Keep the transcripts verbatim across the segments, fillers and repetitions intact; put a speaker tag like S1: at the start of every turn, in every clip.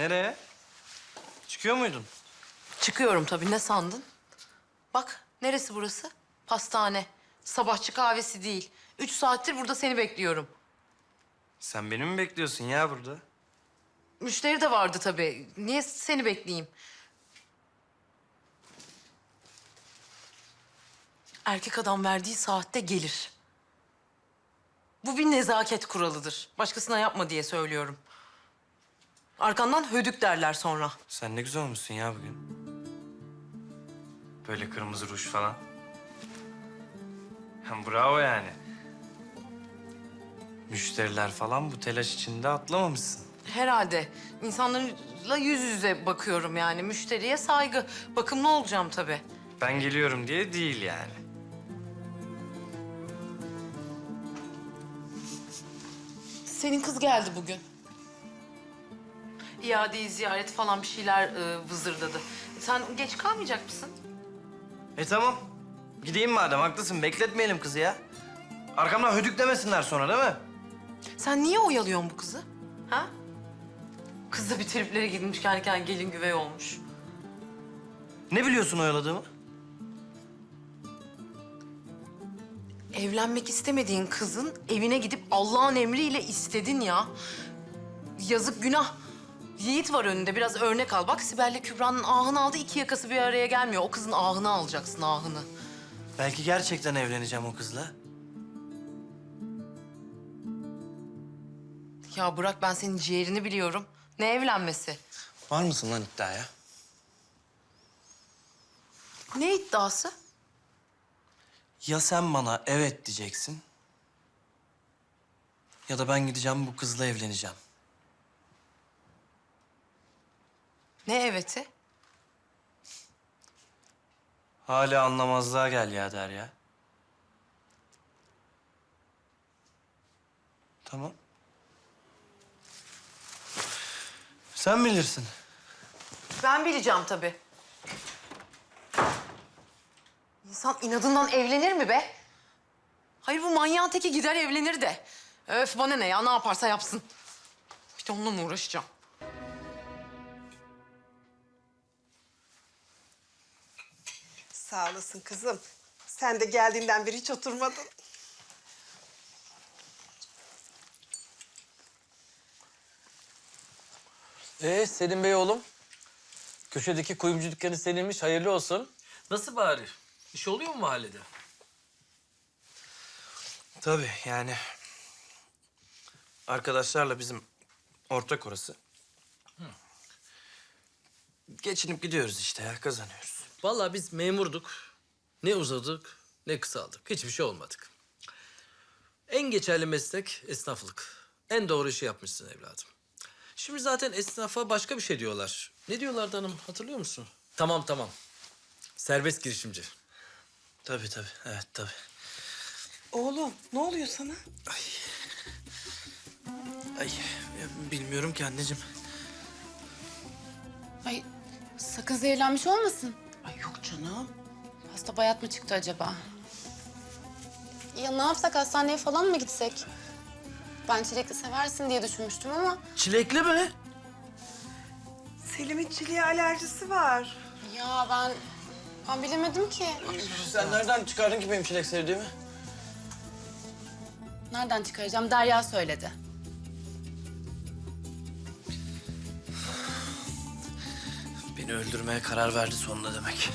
S1: Nereye? Çıkıyor muydun?
S2: Çıkıyorum tabii. Ne sandın? Bak, neresi burası? Pastane. Sabahçı kahvesi değil. Üç saattir burada seni bekliyorum.
S1: Sen beni mi bekliyorsun ya burada?
S2: Müşteri de vardı tabii. Niye seni bekleyeyim? Erkek adam verdiği saatte gelir. Bu bir nezaket kuralıdır. Başkasına yapma diye söylüyorum. Arkandan hödük derler sonra.
S1: Sen ne güzel olmuşsun ya bugün. Böyle kırmızı ruj falan. Hem bravo yani. Müşteriler falan bu telaş içinde atlamamışsın.
S2: Herhalde. İnsanlarla yüz yüze bakıyorum yani. Müşteriye saygı. Bakımlı olacağım tabii.
S1: Ben geliyorum diye değil yani.
S2: Senin kız geldi bugün. İadeyi ziyaret falan bir şeyler e, vızırdadı. Sen geç kalmayacak mısın?
S1: E tamam. Gideyim madem, haklısın. Bekletmeyelim kızı ya. Arkamdan hödüklemesinler sonra değil mi?
S2: Sen niye oyalıyorsun bu kızı? Ha? Kız da bir triplere gitmiş, kendi kendine gelin güvey olmuş.
S1: Ne biliyorsun oyaladığımı?
S2: Evlenmek istemediğin kızın evine gidip Allah'ın emriyle istedin ya. Yazık, günah. Yiğit var önünde, biraz örnek al. Bak, Sibel'le Kübra'nın ahını aldı, iki yakası bir araya gelmiyor. O kızın ahını alacaksın, ahını.
S1: Belki gerçekten evleneceğim o kızla.
S2: Ya bırak, ben senin ciğerini biliyorum. Ne evlenmesi?
S1: Var mısın lan iddiaya?
S2: Ne iddiası?
S1: Ya sen bana evet diyeceksin... ya da ben gideceğim bu kızla evleneceğim.
S2: Ne eveti?
S1: Hala anlamazlığa gel ya Derya. Tamam. Sen bilirsin.
S2: Ben bileceğim tabii. İnsan inadından evlenir mi be? Hayır, bu manyağın teki gider evlenir de. Öf, bana ne ya, ne yaparsa yapsın. Bir de onunla mı uğraşacağım?
S3: Sağ olasın kızım. Sen de geldiğinden beri hiç oturmadın.
S4: Ee Selim Bey oğlum, köşedeki kuyumcu dükkanı seninmiş, hayırlı olsun. Nasıl bari? İş oluyor mu mahallede?
S1: Tabii yani... arkadaşlarla bizim ortak orası. Hı. Geçinip gidiyoruz işte ya, kazanıyoruz.
S4: Vallahi biz memurduk. Ne uzadık, ne kısaldık. Hiçbir şey olmadık. En geçerli meslek esnaflık. En doğru işi yapmışsın evladım. Şimdi zaten esnafa başka bir şey diyorlar. Ne diyorlardı hanım, hatırlıyor musun? Tamam tamam. Serbest girişimci.
S1: Tabii tabii, evet tabii.
S3: Oğlum ne oluyor sana?
S1: Ay ya bilmiyorum ki anneciğim.
S5: Ay sakın zehirlenmiş olmasın.
S3: Ay yok canım.
S5: Hasta bayat mı çıktı acaba? Ya ne yapsak, hastaneye falan mı gitsek? Ben çilekli seversin diye düşünmüştüm ama...
S1: Çilekli mi?
S3: Selim'in çileğe alerjisi var.
S5: Ya ben... Ben bilemedim ki.
S1: Sen nereden çıkardın ki benim çilek sevdiğimi?
S5: Nereden çıkaracağım? Derya söyledi.
S1: Beni öldürmeye karar verdi sonunda demek.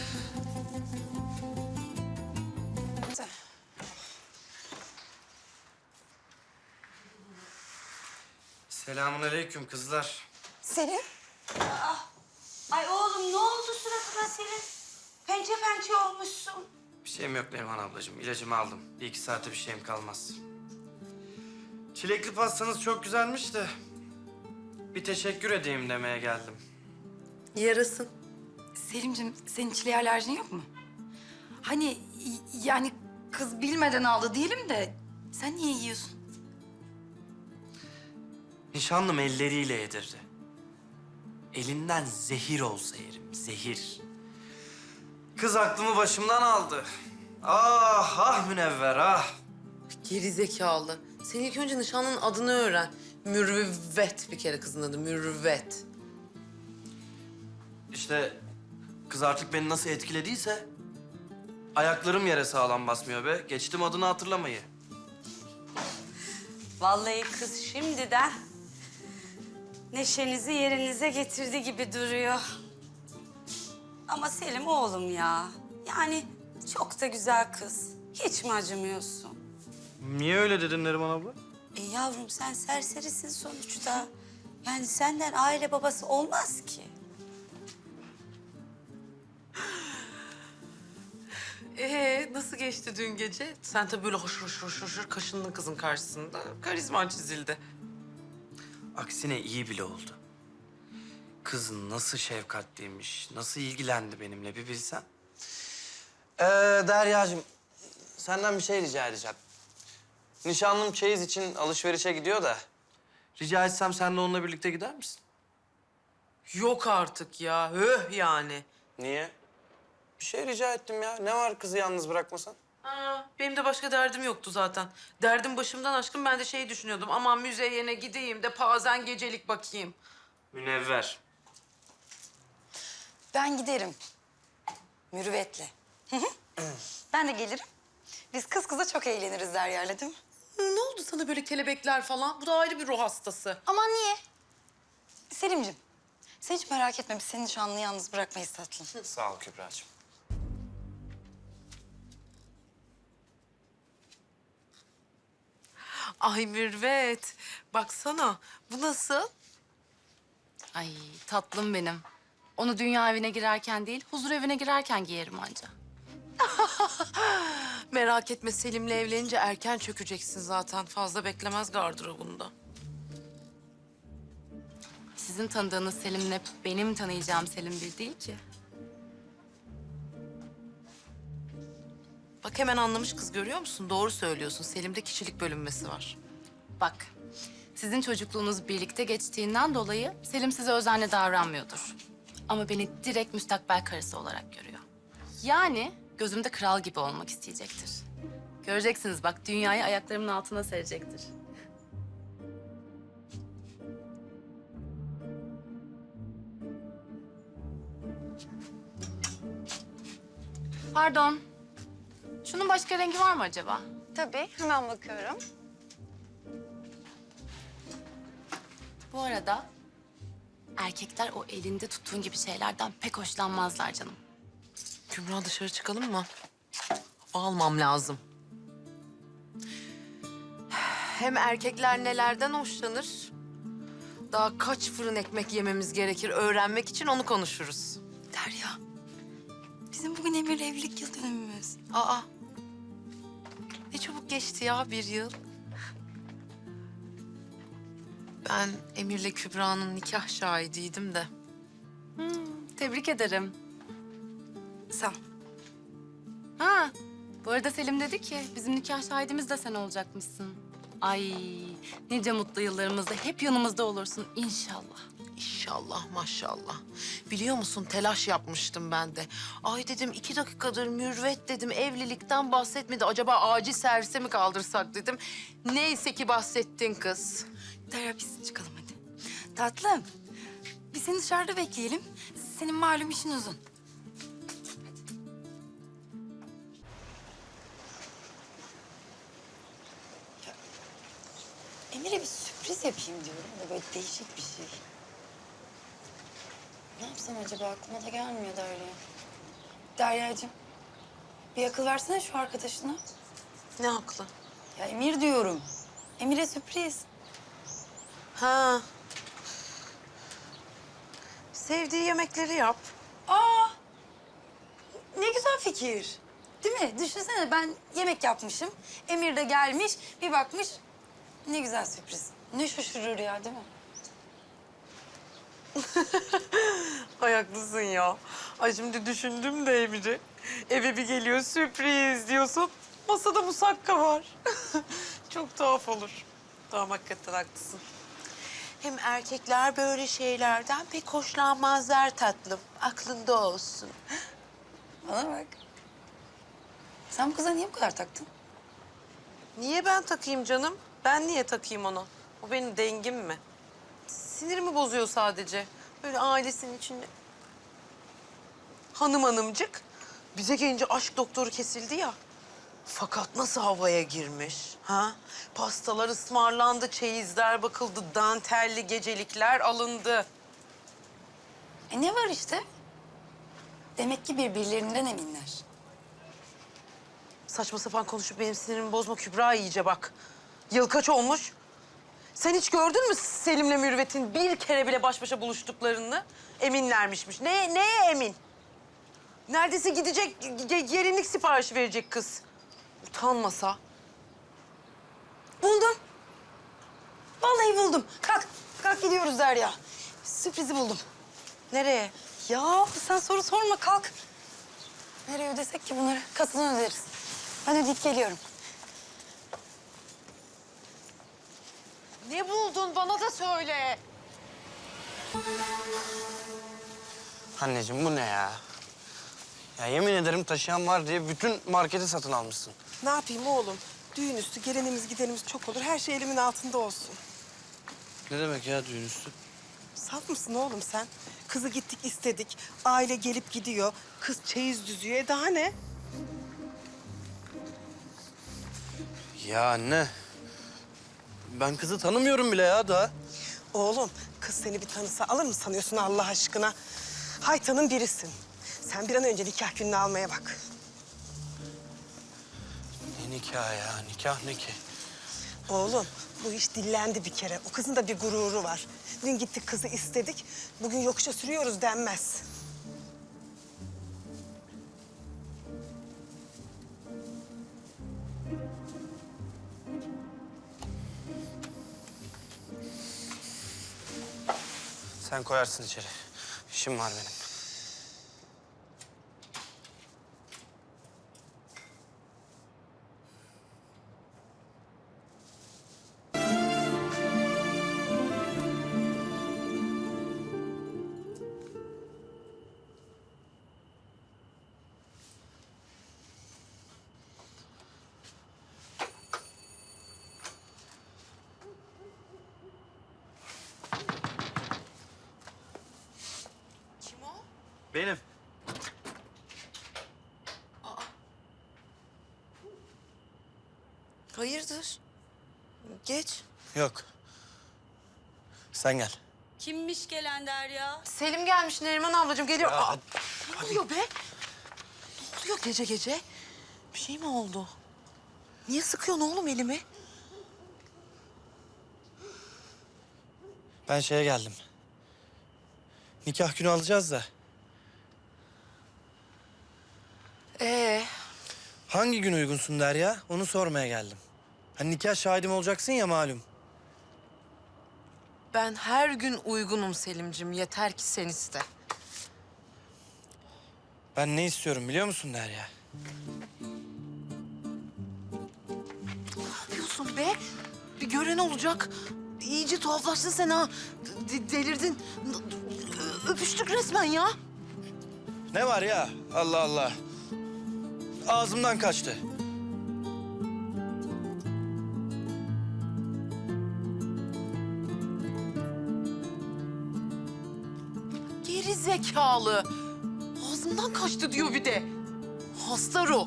S1: Selamünaleyküm kızlar.
S6: Selim. Ay oğlum ne oldu suratına senin? Pençe pençe olmuşsun.
S1: Bir şeyim yok Neriman ablacığım. İlacımı aldım. Bir iki saate bir şeyim kalmaz. Çilekli pastanız çok güzelmiş de... bir teşekkür edeyim demeye geldim.
S2: Yarasın.
S6: Selimciğim senin çileğe alerjin yok mu? Hani y- yani kız bilmeden aldı diyelim de sen niye yiyorsun?
S1: Nişanlım elleriyle yedirdi. Elinden zehir olsa yerim, zehir. Kız aklımı başımdan aldı. Ah, ah Münevver, ah.
S2: Geri zekalı. Sen ilk önce nişanlının adını öğren. Mürüvvet bir kere kızın adı, Mürüvvet.
S1: İşte kız artık beni nasıl etkilediyse... ayaklarım yere sağlam basmıyor be. Geçtim adını hatırlamayı.
S7: Vallahi kız şimdiden neşenizi yerinize getirdi gibi duruyor. Ama Selim oğlum ya. Yani çok da güzel kız. Hiç mi acımıyorsun?
S1: Niye öyle dedin Neriman abla?
S7: E yavrum sen serserisin sonuçta. Yani senden aile babası olmaz ki.
S2: Ee nasıl geçti dün gece? Sen tabii böyle hoşur hoşur hoşur hoşur kaşındın kızın karşısında. Karizman çizildi.
S1: Aksine iyi bile oldu. Kız nasıl şefkatliymiş, nasıl ilgilendi benimle bir bilsen. Ee, Derya'cığım, senden bir şey rica edeceğim. Nişanlım çeyiz için alışverişe gidiyor da... rica etsem sen de onunla birlikte gider misin?
S2: Yok artık ya. Höh yani.
S1: Niye? Bir şey rica ettim ya. Ne var kızı yalnız bırakmasan?
S2: Aa, benim de başka derdim yoktu zaten. Derdim başımdan aşkın, ben de şey düşünüyordum. Aman müzeyene gideyim de pazen gecelik bakayım.
S1: Münevver.
S6: Ben giderim. Mürüvvetle. Hı hı. Ben de gelirim. Biz kız kıza çok eğleniriz Derya'yla değil mi?
S2: Hı, ne oldu sana böyle kelebekler falan? Bu da ayrı bir ruh hastası.
S6: Aman niye? Selim'ciğim, sen hiç merak etme. Biz seni nişanlını yalnız bırakmayız tatlım.
S1: Sağ ol Kübra'cığım.
S2: Ay Mürvet, baksana. Bu nasıl?
S5: Ay tatlım benim. Onu dünya evine girerken değil, huzur evine girerken giyerim anca.
S2: Merak etme, Selim'le evlenince erken çökeceksin zaten. Fazla beklemez gardırobunda.
S5: Sizin tanıdığınız Selim'le benim tanıyacağım Selim bir değil ki.
S2: Bak hemen anlamış kız, görüyor musun? Doğru söylüyorsun. Selim'de kişilik bölünmesi var.
S5: Bak, sizin çocukluğunuz birlikte geçtiğinden dolayı Selim size özenle davranmıyordur. Ama beni direkt müstakbel karısı olarak görüyor. Yani gözümde kral gibi olmak isteyecektir. Göreceksiniz bak, dünyayı ayaklarımın altına serecektir. Pardon. Şunun başka rengi var mı acaba?
S6: Tabii, hemen bakıyorum.
S5: Bu arada erkekler o elinde tuttuğun gibi şeylerden pek hoşlanmazlar canım.
S2: Kübra, dışarı çıkalım mı? Hava almam lazım. Hem erkekler nelerden hoşlanır? Daha kaç fırın ekmek yememiz gerekir öğrenmek için, onu konuşuruz.
S6: Derya, bizim bugün Emir'le evlilik yıl dönümümüz.
S2: Aa, ne çabuk geçti ya bir yıl. Ben Emir'le Kübra'nın nikah şahidiydim de.
S5: Tebrik ederim.
S6: Sağ ol.
S5: Ha, bu arada Selim dedi ki bizim nikah şahidimiz de sen olacakmışsın. Ay, nice mutlu yıllarımızda hep yanımızda olursun inşallah.
S2: İnşallah, maşallah. Biliyor musun, telaş yapmıştım ben de. Ay dedim, iki dakikadır Mürvet dedim, evlilikten bahsetmedi. Acaba acil servise mi kaldırsak dedim. Neyse ki bahsettin kız.
S6: Derya, biz çıkalım hadi. Tatlım, biz seni dışarıda bekleyelim. Senin malum işin uzun. Ya, Emir'e bir sürpriz yapayım diyorum da böyle değişik bir şey. Ne yapsam acaba, aklıma da gelmiyor Derya. Derya'cığım, bir akıl versene şu arkadaşına.
S2: Ne haklı?
S6: Ya Emir diyorum. Emir'e sürpriz.
S2: Ha. Sevdiği yemekleri yap.
S6: Aa! Ne güzel fikir. Değil mi? Düşünsene, ben yemek yapmışım. Emir de gelmiş, bir bakmış. Ne güzel sürpriz. Ne şaşırır ya, değil mi?
S2: Ay haklısın ya. Ay şimdi düşündüm de Emir'i. Eve bir geliyor, sürpriz diyorsun. Masada musakka var. Çok tuhaf olur. Tamam, hakikaten haklısın.
S8: Hem erkekler böyle şeylerden pek hoşlanmazlar tatlım. Aklında olsun.
S6: Bana bak. Sen bu kıza niye bu kadar taktın?
S2: Niye ben takayım canım? Ben niye takayım ona? O benim dengim mi? Sinirimi bozuyor sadece. Böyle ailesinin içinde
S8: hanım hanımcık. Bize gelince aşk doktoru kesildi ya. Fakat nasıl havaya girmiş? Ha? Pastalar ısmarlandı, çeyizler bakıldı, dantelli gecelikler alındı.
S6: E ne var işte? Demek ki birbirlerinden eminler.
S8: Saçma sapan konuşup benim sinirimi bozma Kübra iyice bak. Yıl kaç olmuş? Sen hiç gördün mü Selim'le Mürvet'in bir kere bile baş başa buluştuklarını? Eminlermişmiş. Ne, neye emin? Neredeyse gidecek, ge- gelinlik siparişi verecek kız. Utanmasa.
S6: Buldum. Vallahi buldum. Kalk, kalk gidiyoruz Derya. Sürprizi buldum.
S8: Nereye?
S6: Ya sen soru sorma, kalk. Nereye ödesek ki bunları? Kasadan öderiz. Ben ödeyip geliyorum.
S8: Ne buldun? Bana da söyle.
S1: Anneciğim bu ne ya? Ya yemin ederim taşıyan var diye bütün marketi satın almışsın.
S3: Ne yapayım oğlum? Düğün üstü gelenimiz gidenimiz çok olur. Her şey elimin altında olsun.
S1: Ne demek ya düğün üstü?
S3: Saf mısın oğlum sen? Kızı gittik istedik. Aile gelip gidiyor. Kız çeyiz düzüyor. E daha ne?
S1: Ya anne. Ben kızı tanımıyorum bile ya daha.
S3: Oğlum kız seni bir tanısa alır mı sanıyorsun Allah aşkına? Haytanın birisin. Sen bir an önce nikah gününü almaya bak.
S1: Ne nikah ya? Nikah ne ki?
S3: Oğlum bu iş dillendi bir kere. O kızın da bir gururu var. Dün gittik kızı istedik. Bugün yokuşa sürüyoruz denmez.
S1: Sen koyarsın içeri. İşim var benim.
S8: Kim o?
S1: Benim.
S8: Hayırdır? Geç.
S1: Yok. Sen gel.
S7: Kimmiş gelen Derya?
S8: Selim gelmiş Neriman ablacığım geliyor.
S1: Ya,
S8: Aa, ne oluyor be? Ne oluyor gece gece? Bir şey mi oldu? Niye sıkıyorsun oğlum elimi?
S1: Ben şeye geldim. Nikah günü alacağız da.
S8: Ee,
S1: Hangi gün uygunsun Derya? Onu sormaya geldim. Hani nikah şahidim olacaksın ya malum.
S2: Ben her gün uygunum Selim'cim. Yeter ki sen iste.
S1: Ben ne istiyorum biliyor musun Derya?
S2: Ne yapıyorsun be? Bir gören olacak. İyice tuhaflaştın sen ha. De- delirdin. Öpüştük resmen ya.
S1: Ne var ya? Allah Allah. Ağzımdan kaçtı.
S2: Geri zekalı. Ağzımdan kaçtı diyor bir de. Hasta ruh.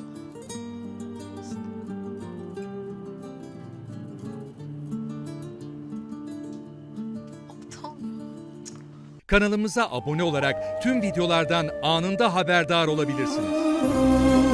S2: Aptal.
S9: Kanalımıza abone olarak tüm videolardan anında haberdar olabilirsiniz.